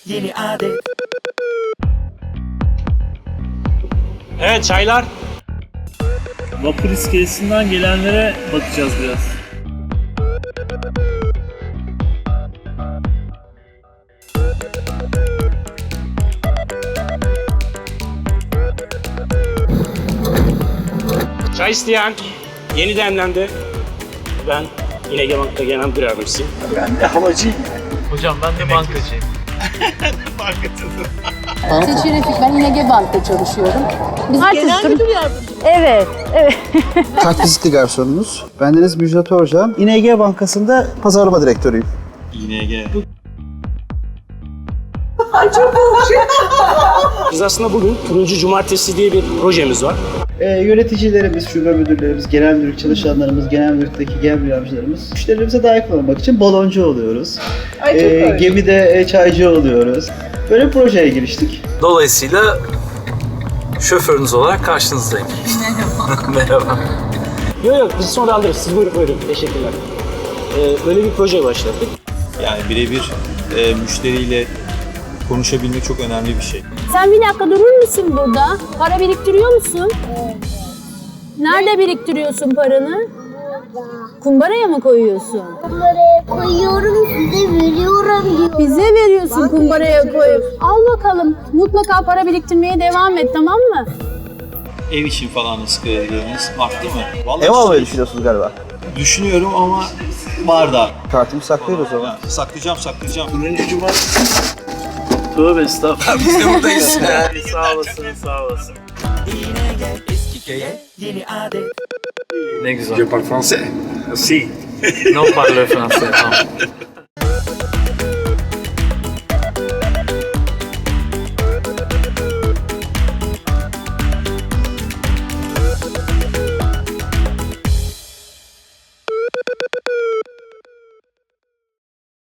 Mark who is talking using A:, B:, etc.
A: yeni adet.
B: Evet çaylar.
C: Vapur iskelesinden gelenlere bakacağız biraz.
B: Çay isteyen yeni demlendi. Ben yine Bank'ta genel müdür yardımcısıyım.
D: Ben de havacıyım.
C: Hocam ben de bankacıyım.
E: Seçil Refik, ben İNG Bank'ta çalışıyorum. Biz
F: Genel müdür yardımcısı.
E: Evet, evet.
D: Kartvizitli garsonunuz. Bendeniz Müjdat Orcan. İNG Bankası'nda pazarlama direktörüyüm.
B: Biz aslında bugün Turuncu Cumartesi diye bir projemiz var.
D: Yöneticilerimiz, şube müdürlerimiz, genel müdürlük çalışanlarımız, genel müdürlükteki genel müdür yardımcılarımız müşterilerimize daha yakın olmak için baloncu oluyoruz. Gemide çaycı oluyoruz. Böyle bir projeye giriştik.
G: Dolayısıyla şoförünüz olarak karşınızdayım. Merhaba.
B: Yok biz sonra alırız. Siz buyurun. Teşekkürler. Böyle bir proje başlattık.
H: Yani birebir müşteriyle konuşabilmek çok önemli bir şey.
F: Sen bir dakika durur musun burada? Para biriktiriyor musun? Nerede biriktiriyorsun paranı? Kumbaraya mı koyuyorsun?
I: Kumbaraya koyuyorum, size veriyorum diyor.
F: Bize veriyorsun kumbaraya koyup. Al bakalım. Mutlaka para biriktirmeye devam et, tamam mı?
H: Ev için falan nasıl kredileriniz arttı mı? Vallahi
D: Ev almayı düşünüyorsunuz galiba.
H: düşünüyorum ama var da.
D: Kartımı saklıyoruz o zaman.
H: Saklayacağım.
C: Tövbe estağfurullah.
G: Biz de buradayız.
C: Sağ olasın, sağ olasın.
A: Yine gel eski köye yeni adet.
G: Ne güzel.
C: Si.
G: Non parle français. Non.